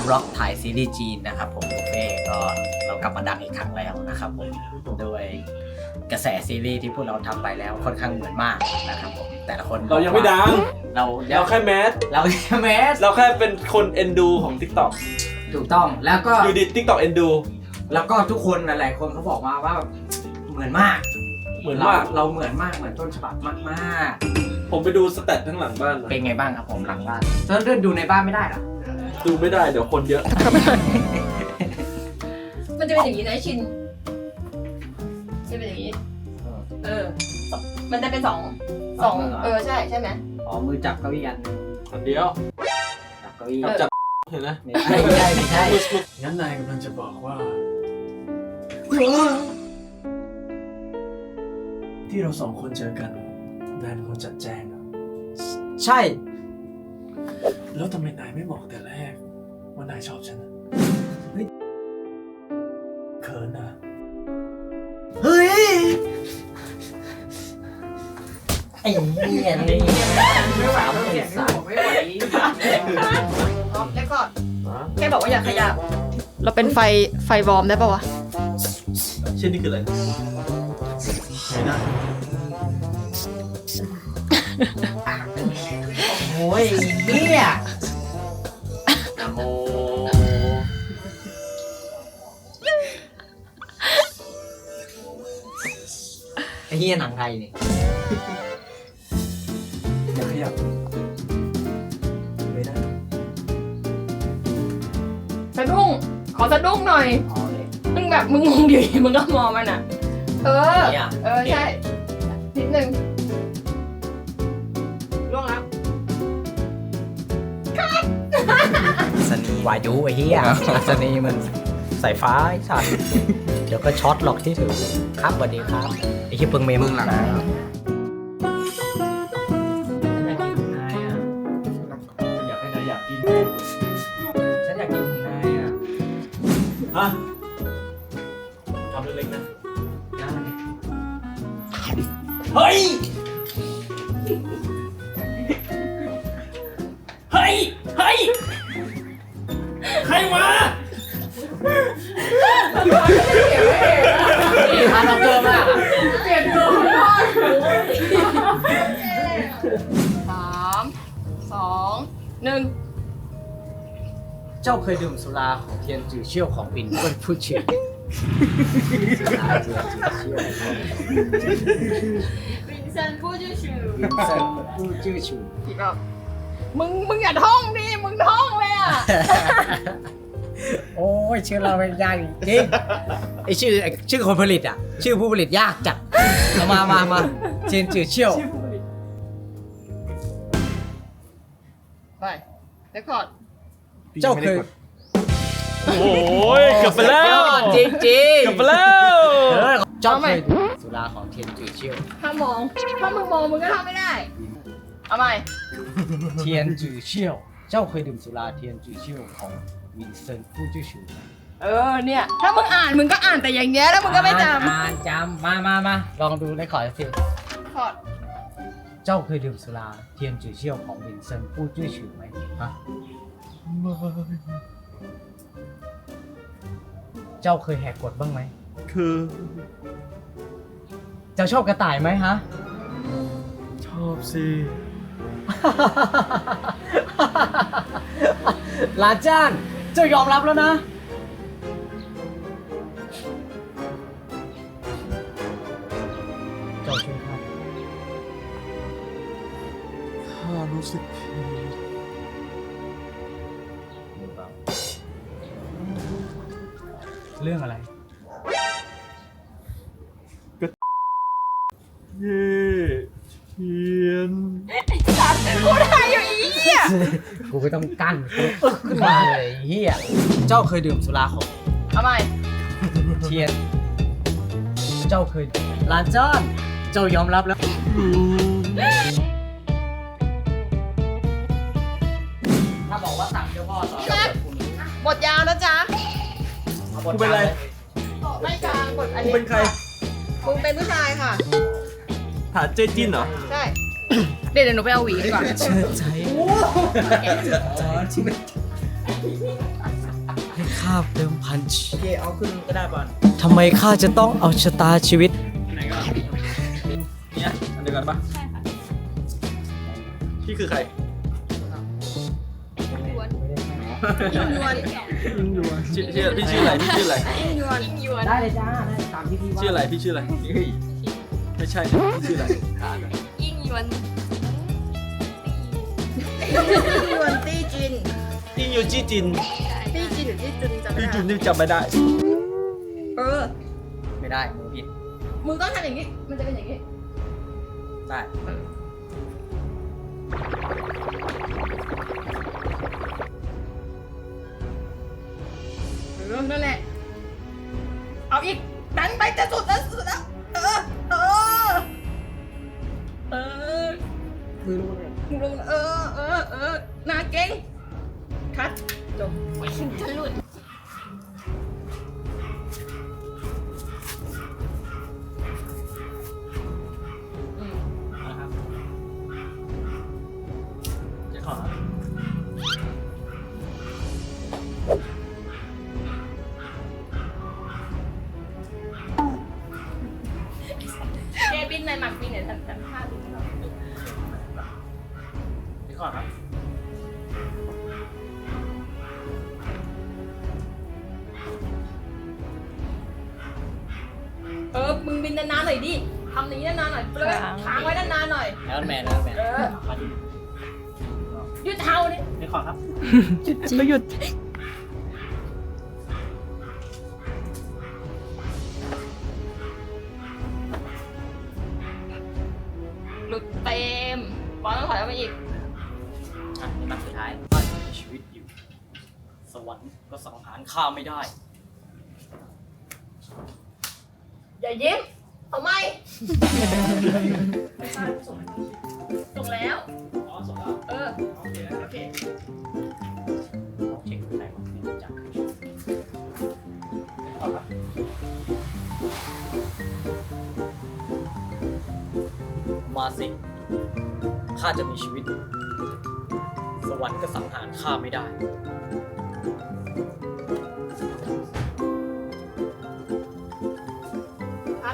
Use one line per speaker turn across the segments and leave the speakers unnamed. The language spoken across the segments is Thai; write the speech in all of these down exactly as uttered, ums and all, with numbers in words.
ร็อกถ่ายซีรีส์จีนนะครับผมบุฟเฟ่ก็เรากลับมาดังอีกครั้งแล้วนะครับผมโดยกระแสซีรีส์ที่พวกเราทำไปแล้วค่อนข้างเหมือนมากนะครับผมแต่ละคน
เรายังไม่ดัง
เรา
เราแค่แมส
เราแค่แมส
เราแค่เป็นคนเอ็นดูของ TikTok
ถูกต้องแล้วก็
อยู่ดี TikTok เอ็นดู
แล้วก็ทุกคนหลายๆคนเขาบอกมาว่าเหมือนมาก
เหมือนมาก
เราเหมือนมากเหมือนต้นฉบับมาก
ผมไปดูสแตททั้งหลังบ้าน
ๆ
นะ
เป็นไงบ้างครับผมหลังบ้านตอนเดินดูในบ้านไม่ได้หรอ
ดูไม่ได้เดี๋ยวคนเยอะ
มันจะเป็นอย่างนี้นะชินจะเป็นอย่างนี้ เออ มันจะเป็นสองสองเออใช่ใช่ไหม
อ๋อมือจับเก้าอี้อันหนึง
อันเดียว
จับเก้าอี้
จับเห็นไหม
ไม่ใช่ไม่ใช่ไม่ใช่
งั้นนายกำลังจะบอกว่า ที่เราสองคนเจอกันนายเป็นคนจัดแจงอะ
ใช่
แล้วทำไมนายไม่บอกแต่แรกว่านายชอบฉันอะเฮ้ยเขินอะ
เฮ้ยไอ้เนี่ยนี่ไม่ไหวแล้วเสียงผมไม่ไหว
แล้วก็แค่บอกว่าอย่าขยับ เราเป็นไฟไฟวอร์มได้ปะวะ
เช่นนี่คืออะไร
ไม่ได้
โอ้ยเนี่ย
นะโม
ไอ้เหี้ยหนังไทยนี่
อย่าขยับไม่ได้
สะดุ้ง ขอสะดุ้งหน่อย
อ๋อเลย
มึงแบบมึงมองดิมึงก็มองมันอ่ะ เออ
เนี่ย
เออใช่ นิดนึงล่วงแล้ว
สนีวายุไอ้เหี้ยสนีมันสายฟ้าไอ้สัตว์เดี๋ยวก็ช็อตหรอกที่ถือครับสวัสดีครับไอ้เหี้ยเพิ่งเมมมึงหลังนะอยากให้นายอยากกินฉันอยากกินของนายอ่ะ
ฮะทำเล็กๆนะ
เฮ้ย เฮ้ย เฮ้ย ใครมานี่พาเราเกินมาก
เปลี่ยนตัวพ่อสามสองหนึ่ง
เจ้าเคยดื่มสุราของเทียนจือเชี่ยวของปิ่นเปิ้ลผู้ชื่อสุราเทียนจือเชี่ยวของ
วินเซนต์พูดชื่อชื่อ
ปิ่นเปิ้ลผู้ชื่อชู
อีกรอบมึงมึงอย่าท่องดิมึงท่องเลยอ่ะ
โอ้ยชื่อเราเป็นยากจริงไอชื่อไอชื่อคนผลิตอ่ะ ชื่อผู้ผลิตยากจัดเอามามามาเทียนจือเชี่ยว
ไปเรคคอร์ด
เจ้าเคย
โอ้ยเกือบไปแล้ว
จริงจริง
เกือบไปแล้ว
เจ้าเคยดื่มสุราของเทียนจือเชี่ยว
ถ้ามอง ถ้ามึงมองมึงก็ทำไม่ได้ เอาใหม่
เทียนจือเชี่ยว เจ้าเคยดื่มสุราเทียนจือเชี่ยวของวินเซนต์ผู้ชื่อชู
เออเนี่ย ถ้ามึงอ่านมึงก็อ่านแต่อย่างเงี้ยแล้วมึงก็ไม่จ
อ่านจำมามามาลองดูในขอสิ
ำคอร์ด
เจ้าเคยดื่มสุราเทียนจือเชี่ยวของวินเซนต์ผู้ชื่อชูไหมฮะเจ้าเคยแหกกฎบ้างไหม
คือ
เจ้าชอบกระต่ายไหมฮะ
ชอบสิ
ลาจ้านเจ้ายอมรับแล้วนะ เจ้าช่วยข้า
ข้ารู้สึกผิด
เรื่องอะไร
เย่เทียน
กูได้อยู่อีอ่ะ
กูไม่ต้องกั้นกูอึกขึ้นมาเลยไอ้เฮียเจ้าเคยดื่มสุราของ
เอาใหม่
เทียน เจ้าเคยลาจ้านเจ้ายอมรับแล้ว ถ้าบอกว่าสั่งเจ้าพ่อสอน
บทยาวนะจ๊ะ
กูเป็นอะไร
ไม่กลางบทอัน
กู
นี้
เป็นใคร
มึงเป็นผู้ชายค่ะ
ถาเจจินเหรอ
ใช่ เดี๋ยวเดี๋ยวหนูไปเอาหวีดีกว่า
เชิญใจข้าเดิมพันชี
โอเคเอาขึ้นก็ได้ป่ะ
ทำไมข้าจะต้องเอาชะตาชีวิต
ไหนก็เนี่ยอันเดียวกันปะ
ใช่ค่ะ
พี่คือใคร
ยวน
ยิงอยู่
ชื่อชื่อพี่ชื่ออะไรพี่ชื่ออะไร
ยิ่งยวนยิ่งยวน
ได้เลยจ้าได้ตามที่พี่ว่า
ชื่ออะไรพี่ชื่ออะไรเฮ้ยไม่ใช่พี่ชื่ออะไร
ยิ่งยวน
ยวนตี้จิน
อิงยูจีจิน
ตี้จินหรือตี้จุนจำไม่
พี่
ได้
จุนนี่จำไม่ได้
เออ
ไม่ได้มือผิด
มือต้องทำอย่างนี้ มันจะเป็นอย่างนี้
ได้
เออนั่นแหละ เอาอีกดันไปจะสุดแล้วสุดแล้ว เออ เออ เออ
มือรู้เลย
มึงลงเออ เออ เออหน้าเก่ง คัดจบฉันหลุด
นะครับเจ๊ขอ
เจบินในหมักบินเนี่ยทำทำท่าบินให้เรา
เจ๊ขอครับ
เออ มึงบินนานๆหน่อยดิ ทำอย่างนี้นานๆหน่อยเลยค้างไว้นานๆหน่อย
แล้วแมนแล้วแมน
เออหยุดเท้าดิ
เจ๊ขอครับ
ก็หยุด
หลุดเต็มบอลต้องถอยออกมาอีก
อ่ะนี่มันสุดท้ายข้าจะมีชีวิตอยู่ สวรรค์ก็สังหารข้าไม่ได้
อย่ายิ้มเอาไม่ส่งแล้ว
อ๋อส่งแล้ว
เออ
โอเค
โอเค
เช็คไหนวะไม่รู้จัก
ขอครับ
มาสิ ข้าจะมีชีวิตอยู่สวรรค์ก็สังหารข้าไม่ได้
พัก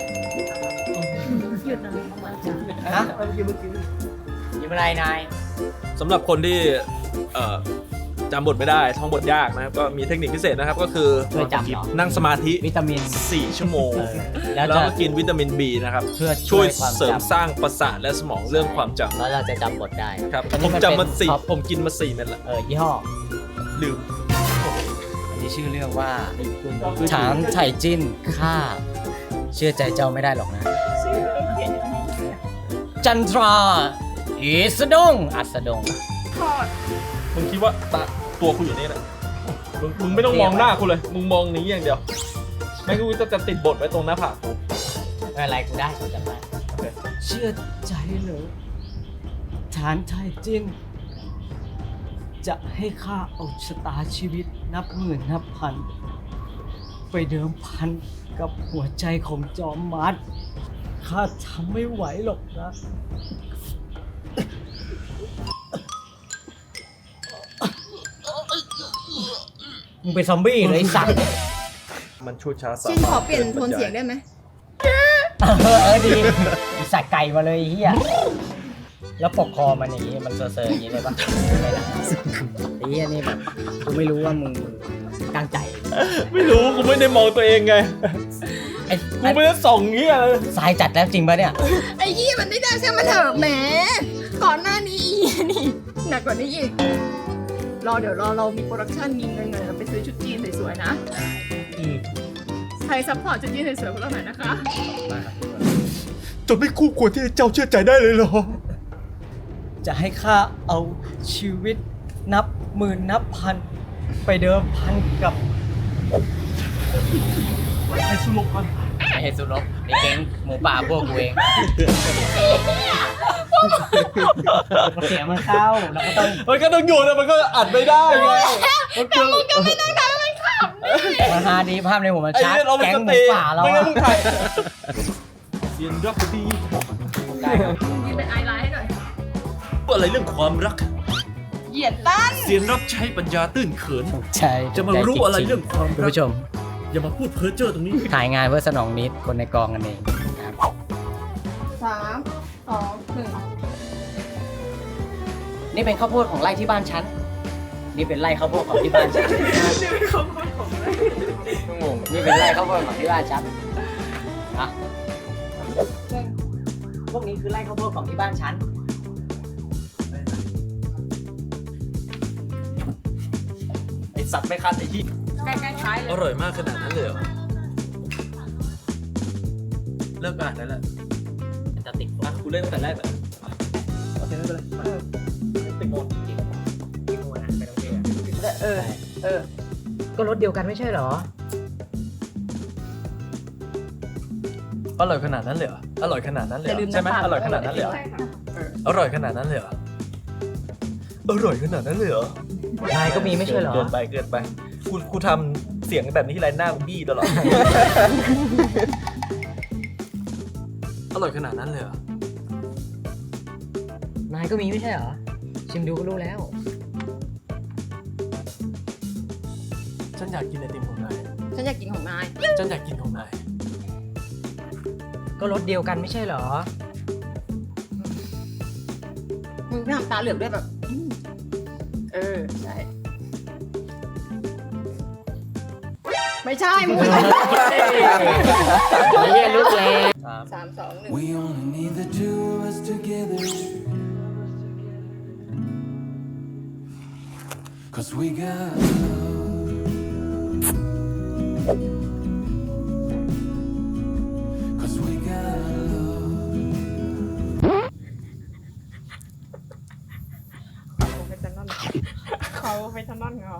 หยุดอะไรของมันจ้ะ
ฮะ
เมื่อกี้เมื่อกี้
ยิ้มอะไรนาย
สำหรับคนที่เอ่อจำบทไม่ได้ท่องบทยากนะครับก็มีเทคนิคพิเศษนะครับก็คือ
ช่วยจำเหรอ
นั่งสมาธิ
วิตามิน
สี่ชั่วโมง
เออแล้ว
แล้ว
จะ
ก็กินวิตามิน B นะครับ
เพื่อ
ช่วย
ความ
เสริม
จำ
สร้างประสาทและสมองเรื่องความจำ
แล้วเราจะจำบทได้
ครับ
อัน
ผ
นี้
ม
น
จำมา
เป็น
สี่
ท็อป
ผมกินมาสี่เม็ดละ
เออยี่ห้อ
ลืม
อันนี้ชื่อเรื่องว่าฉางไฉจิ้นข้าเชื่อใจเจ้าไม่ได้หรอกนะ จันทราอีสะดงอัสดง
มึงคิดว่าตาตัวคุณอยู่นี่แหละมึงมึงไม่ต้องมองหน้ากูเลย มึงมองนี้อย่างเดียวแม่งกูจะจะติดบทไว้ตรงหน้าผากกู
ไม่เป็นไรกูได้กูจำได้
โอเค
เชื่อใจเหรอฐานไทยจิ้น จะให้ข้าเอาชะตาชีวิตนับหมื่นนับพัน ไปเดิมพันกับหัวใจของจอมมัดข้าทำไม่ไหวหรอกนะ มึงเป็นซอมบี้เลยไอ้สัตว์
มันชูช้าสา
จินขอเปลี่ยนโทนเสียงได้ไหม
เออเออดีไอีสัตว์ไก่มาเลยไอ้เฮียแล้วปกคอมันอย่างงี้มันเซอร์ๆอย่างงี้เลยปะไม่นะไอ้เฮียนี่แบบกูไม่รู้ว่ามึงตั้งใจ
ไม่รู้กูไม่ได้มองตัวเองไง
ไอ้
กูไม่ได้ส่องเงี้ยเลย
สายจัดแล้วจริงปะเนี่ย
ไอ้ยี่มันไม่ได้ใช่ไหมเถอะแหม ก่อนหน้านี้อีนี่หนักกว่านี้อีก รอเดี๋ยวรอเรามีโปรดักชั่นมีเงินเงินเราไปซื้อชุดจีนสวยๆนะ
อืม
ใครซัพพอร์ตชุดจีนสวยๆพวกเราหน่อยนะคะ
จนไม่คู่ควรที่เจ้าเชื่อใจได้เลยเหรอ
จะให้ข้าเอาชีวิตนับหมื่นนับพัน ไปเดิมพันกับ
ไอ้สุลกกัน
ไม่ใช่สุนกนี่เก่งหมูป่าพวกกูเองเสียงมันเข้าแล้วก็ต้อง
มันก็ต้องอยู่นะมันก็อัดไม่ได้ไงมันก็
มาฮาดีภาพในหัวมัน
ไอ้
ชัด
เนี่ยเราเป็น
แก๊ง
ส
หมู
เตย์
ป่าเรา
ไม่งั้น
อะ
มึงถ่ายเสียงรักดี
ได้ครับ
ยืนเป็นไอไลน์ให้หน่อย
อะไรเรื่องความรัก
เหยียบ
ยนตั้น
เสียนรับใช้ปัญญาตื้นเขิน
ใช่
จะมารู้อะไรเรื่องความ
คุณ
รัก
ผู้ชม
อย่ามาพูดเพ้อเจ้อตรงนี้
ถ่ายงานเพื่อสนองนิดคนในกองกันเองครับ
สามสองหนึ่ง
นี่เป็นข้าวโพดของไร่ที่บ้านฉัน นี่เป็นไร่ข้าวโพดของที่บ้านฉันนี่เป็นข้าวโพดของไร่งงนี่เป็นไร่ข้าวโพดของที่บ้านฉันอะพวกนี้คือไร่ข้าวโพดของที่บ้านฉัน ไอสัตว์ไม่คันไอ้ที่
ใกล้ๆท้ายเล
อย ร่อยมากขนาดนั้นเลยเหรอ เลิกอ่านได้แล้ว
จะติด
อ่ะกูเล่นตั้งแต่แรกเลยโอเคไม่เป็นไรติดหมด
ที่งูนะไม่ต้องเชื่อ
เออ เออ
ก็รถเดียวกันไม่ใช่เหรอ
อร่อยขนาดนั้นเลยเหรอ อร่อยขนาดนั้นเลย
อย่า
เหร
ลื
อ
ม
ใช่ไหม
น้ำตาล
อร่อยขนาดนั้นเลยเหรอ
ใช่ค่ะ
อร่อยขนาดนั้นเลยเหรอ อร่อยขนาดนั้นเลยเหรอ
นายก็มีไม่ใช่เหรอ
เกินไปเกินไปกูกูทำเสียงแบบนี้ที่ไรหน้ากูบี้ตลอด อร่อยขนาดนั้นเลยเหรอ
นายก็มีไม่ใช่เหรอ ชิมดูก็รู้แล้ว
ฉันอยากกินไอติมของนาย
ฉันอยากกินของนาย
ฉันอยากกินของนาย
ก็รถเดียวกันไม่ใช่เหรอ
มึงไม่ทำตาเหลือกด้วยแบบอืมเออ ใช่ ไม่ใช่ มึงไม่ใช่
เฮียรุดแรง
สามสองหนึ่ง
We only need the two of us together. Cause we got love. Cause we got love.
เขาไปทนอนเหรอ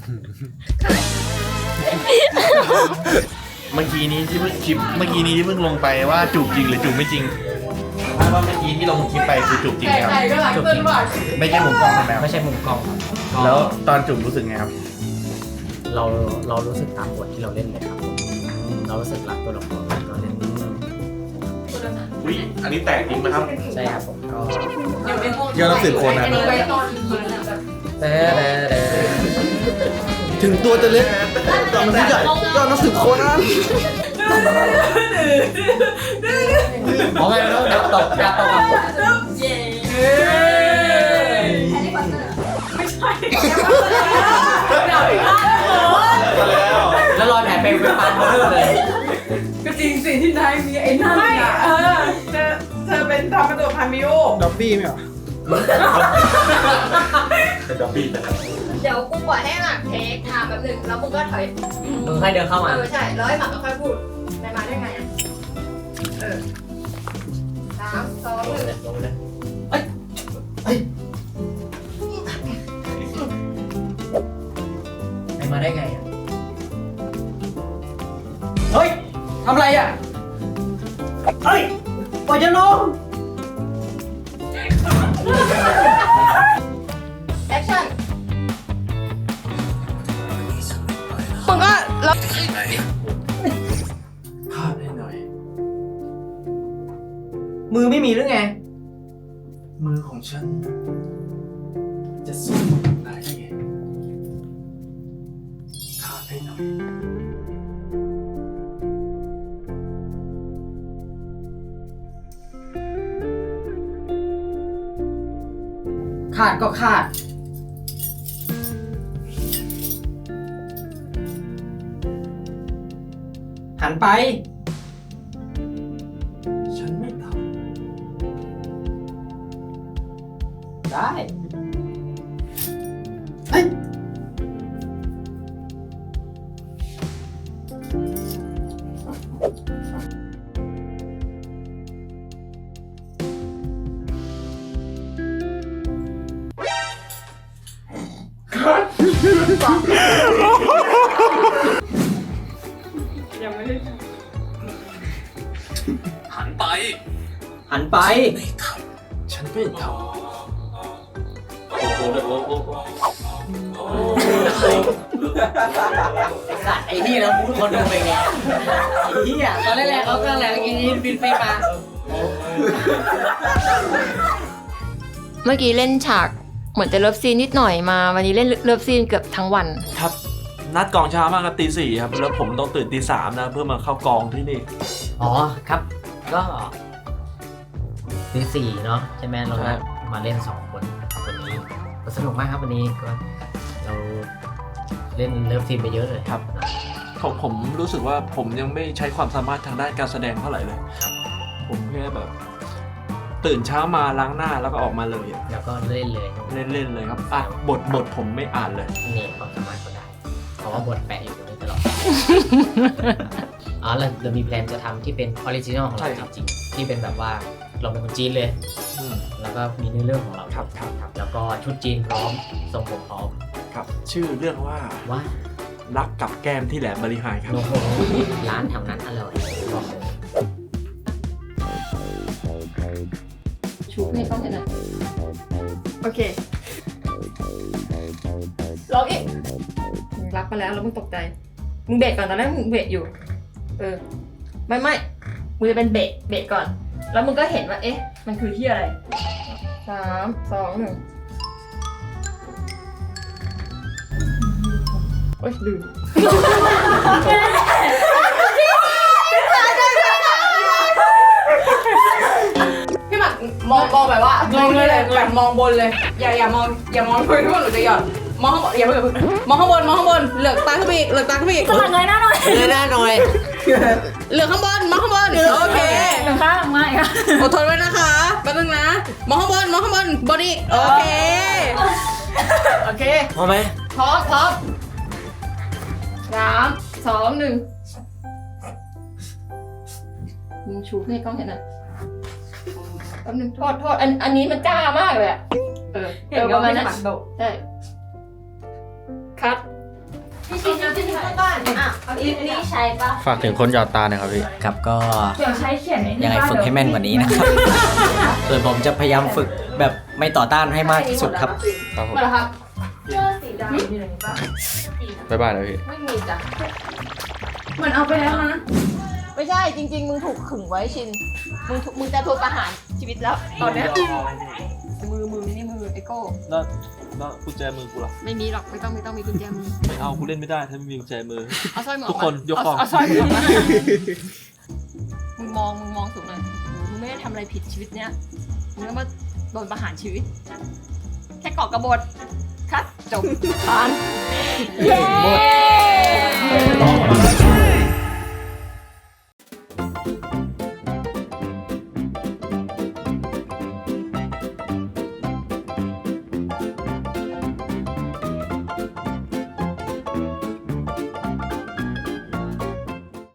เมื่อกี้นี้ที่เพิ่งคลิปเมื่อกี้นี้ที่เพิ่งลงไปว่าจูบจริงหรือจูบไม่จริงถ้าว่าเมื่อกี้ที่ลงคลิปไปคือจูบจริงครับ
ก็หลังตื่นบ่อย
ไม่ใช่มุมกล้องใช่ไหมครับ
ไม่ใช่มุมกล้องครับก็
แล้วตอนจูบรู้สึกไงครับ
เราเรารู้สึกตามบทที่เราเล่นเลยครับผมเรารู้สึกรักตัวละครที่เราเล่น
อุ้ยอันนี้แตกจริงไหมครับ
ใช่ครับผมก็
ยอดนักสืบโคนัน
แต่แต่แต่
ถึงตัวจะเล็กแต่มันใหญ่ยอดนักสืบโคนัน
อ๋อไม่แล้วดับตกดับตก แล้วรอยแผลเป็นเป็นปานเบอร์เลย
ก็จริงสิที่นายมีไอ้นั่นไม่เออเธอเธอเป็นทำเป็นตัวพันมิโอ
ด็อบบี้ไหมเหรอเป็นด็อบบี้นะครับ
เดี๋ยวกูปล่อยให้หมากเทคทำแบบหนึ่งแล้วมึงก็ถอย
มึงค่อยเดินเข้ามา
เออใช่ แล้วให้หมากก็ค่อยพูดไปมาได้ไงอ่ะ เออสามสองหนึ่ง
ลงเลยไปมาได้ไงอ่ะ เฮ้ย ทำอะไรอ่ะ เฮ้ยปล่อยจะลง
แอคชั่นมึงก็แล้ว
พาดให้หน่อย
มือไม่มีหรือไง
มือของฉัน จะสู้กับนายได้ไงพาดให้หน่อย
ขาดก็ขาด หันไป
ฉันไม่ท
ได้
ยังไม่ได้
หันไป
หันไป
ฉันไม่ท
โอ้โหเด็กโอ้โห
สัตว์ไอ้นี่แล้วพูดคนดูไปไงไอ้เหี้ยตอนแรกๆเขาก็แหละกินนี้บินไปมา
เมื่อกี้เล่นฉากเหมือนจะเลิฟซีนนิดหน่อยมาวันนี้เล่นเลิฟซีนเกือบทั้งวัน
ครับ นัดกองเช้ามากครับตีสี่ครับ แล้วผมต้องตื่นตีสามนะ เพื่อมาเข้ากองที่นี่
อ๋อครับ ก็ตีสี่เนาะใช่ไหมเรา
ใช่
มาเล่นสองคนครับวันนี้ก็สนุกมากครับวันนี้ก็เราเล่นเลิฟทีมไปเยอะเลย
ครับ ผมผมรู้สึกว่าผมยังไม่ใช้ความสามารถทางด้านการแสดงเท่าไหร่เลย
ครับ
ผมแค่แบบ ตื่นเช้ามาล้างหน้าแล้วก็ออกมาเลยอะ
แล้วก็เล่นเลย
เล่นๆเลยครับอ่ะบทบทผมไม่อ่านเลย
นี่ความสามารถก็ได้เพราะว่าบทแปะอยู่ตรงนี้ตลอด อ๋อเราเรามีแพลนจะทำที่เป็นออริจินอลของ
ใช่
เรา
ครับ
จริงๆที่เป็นแบบว่าเราเป็นคนจีนเลย
อืม
แล้วก็มีเนื้อเรื่องของเรา
ครับครับ
ครับ แล้วก็ชุดจีนพร้อมทรงผมพร้อม
ครับ ชื่อเรื่องว่า
ว่า
รักกับแก้มที่แหลมบริหารครับ
โอ้โหร้านแถวนั้นอร่อยบอกเลย
ชูให้กล้องเห็นหน่อยโอเคร้องอีกมึงรับมาแล้วแล้วมึงตกใจมึงเบรกก่อนตอนแรกมึงเบรกอยู่เออไม่ไม่มึงจะเป็นเบรกเบรกก่อน แล้วมึงก็เห็นว่าเอ๊ะมันคือที่อะไรสามสองหนึ่งโอ๊ยลืมพี่หมักมองมองแบบว่ามองเลยแบบมองบนเลย อย่าอย่ามองอย่ามองพื้นที่ว่าหนูจะหย่อนมองข้างบนอย่าเพิ่งมองข้างบนมองข้างบนเหลือกตาขึ้นไปอีกเหลือกตาขึ้นไปอีก
สมัครเลยหน้าหน่อย
เลยหน้าหน่อย
เหลือกข้างบนมองข้างบนโอเค
หนึ่งข้างไม่ค่ะ
อดทนไว้นะคะแป๊บนึงนะมองข้างบนมองข้างบนบนอีกโอเคโอเค
พอไหม
พร้อมพร้อมสามสองหนึ่งมึงชูให้กล้องเห็นหน่อยแป๊บนึงโทษโทษอันอันนี้มันจ้ามากเลยอะเออ
เห็นว่าไม่สมัครโดด
ใช่คัด
พี่ชินพี่ชินเข้าบ้านอ่ะเอาอีนี่ใช้ปะ
ฝากถึงคนหยอดตาหน่อยครับพี่
ครับก็
เดี๋ยวใช้เขียนใน
ยังไงฝึกให้แม่นกว่านี้นะครับ ส่วนผมจะพยายามฝึกแบบไม่ต่อต้านให้มากที่สุดครับ
ครับผม
มาแล้วครับ
เสื้อสีดำอยู่ไหนปะ
บ๊ายบายเลยพี่
ไม่มีจ้ะ
เหมือนเอาไปแล้วนะ
ไม่ใช่จริง ๆ มึงถูกขึงไว้ชินมึงถูกมึงจะโดนประหารชีวิตแล้วตอนเนี้ยมือมือนี่มือไอโก้
แล้วแล้วกุญแจมือกูล่ะ
ไม่มีหรอกไม่ต้องไม่ต้องมีกุญแจมือ
ไม่เอากูเล่นไม่ได้ถ้าไม่มีกุญแจมือ
เอาสร้อยหมอ
ทุกคนยกของ
เอาสร้อยหมอมามึงมองมึงมองสูงหน่อยมึงไม่ได้ทำอะไรผิดชีวิตเนี้ยมึงก็มาโดนประหารชีวิต แค่เกาะกระบฏคัดจบผ่าน
เย้